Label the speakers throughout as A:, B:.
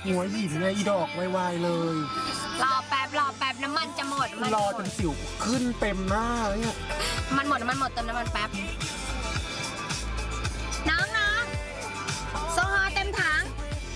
A: หัวหินไงอีดอกไวๆเลย
B: รอแป๊บน้ำมันจะหมด
A: รอจนสิวขึ้นเต็มหน้าเนี่ย
B: มันหมดเติมน้ำมันแป๊บน้องโซฮอเต็มถัง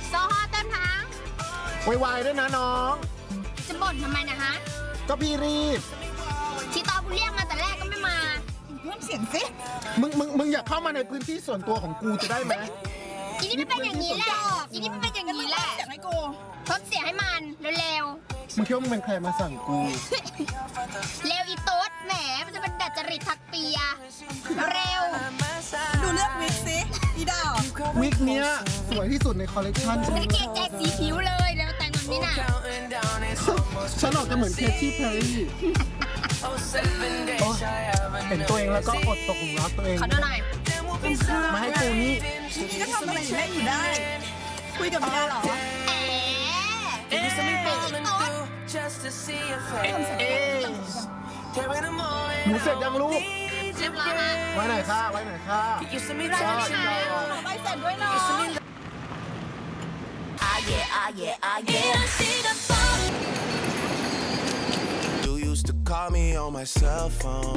A: ไวๆด้วยนะน้อง
B: จะบ่นทำไมนะฮะ
A: ก็พี่รีบ
B: ที่ตอนกูเรียกมาแต่แรกก็ไม่มา
C: เพิ่มเสียงสิ
A: มึงอยากเข้ามาในพื้นที่ส่วนตัวของกูจะได้ไหม
B: อีนี่ไม่เป็นอย่างนี้แหละอีนี่ไม่เป็นอย่างนี้แหละ
C: เสียงให้กู
B: ทดเสียงให้มันเร็ว
A: มึงคิดว่ามึงเป็นใครมาสั่งกู
B: เร็วอีตุ๊ดแหมมันจะเป็นดัดจริตทักเปียเร็ว
C: ดูเลือกวิกสิอีดาว
A: วิกเนี้ยสวยที่สุดในคอลเลกชัน
B: ฉันเกงแจกสีผิวเลยแล้วแต่งแบบนี้น่ะ
A: ฉันออกจะเหมือนเคที่เพลย์เห็นตัวเองแล้วก็อดตกหลุมรักตัวเอง
B: ขอดูหน่อย
A: มาให้กูนี่
C: ก็ทำอะไรเล่นอยู่ได้คุยกับเมียเหรอ
A: หนูเสร็จยังลูก
B: เรียบร้อยฮะ
A: ไว้ไหนค่ะ
C: ไปเสร็จด้วยเนาะ
D: You used to call me on my cell phone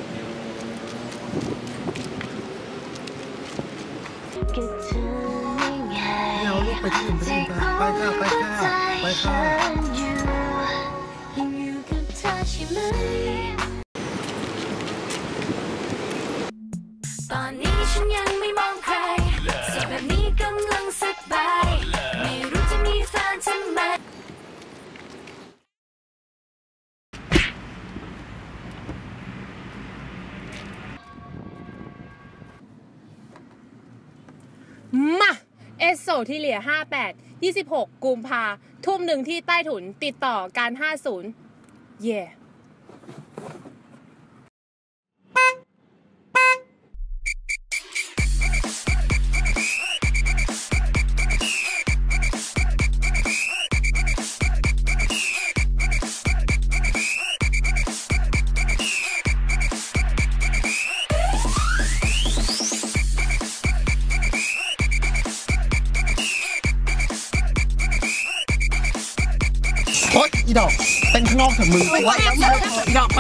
A: เอาลูกไปที่อื่นไปค่ะ
E: ตอนนี้ฉันยังไม่มองใครสดแบบนี้กำลังสบายไม่รู้จะมีแฟนทำไม
F: มาเอสโซที่เหลีย58 26กุมภาทุ่มหนึ่งที่ใต้ถุนติดต่อการ50เย่
A: โอ๊ยอีดอกเต้นข้างนอกเถอะมึงอีดอกไป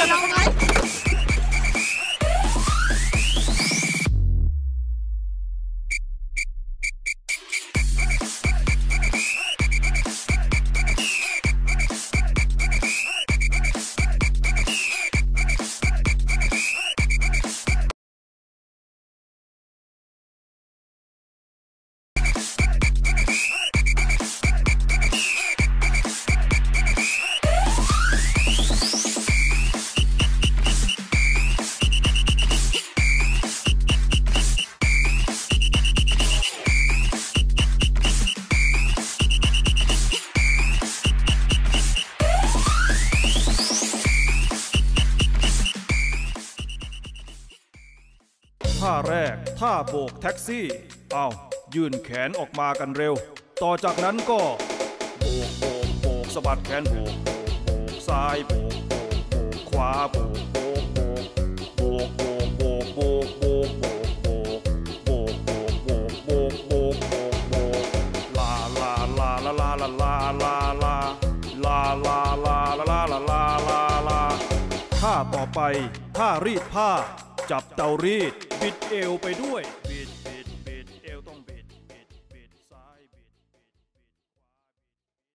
G: ท่าแรกท่าโบกแท็กซี่เอายื่นแขนออกมากันเร็วต่อจากนั้นก็โบกสะบัดแขนโบกซ้ายโบกขวาโบกลาท่าต่อไปท่ารีดผ้าจับเตารีดบิดเอวไปด้วยบิด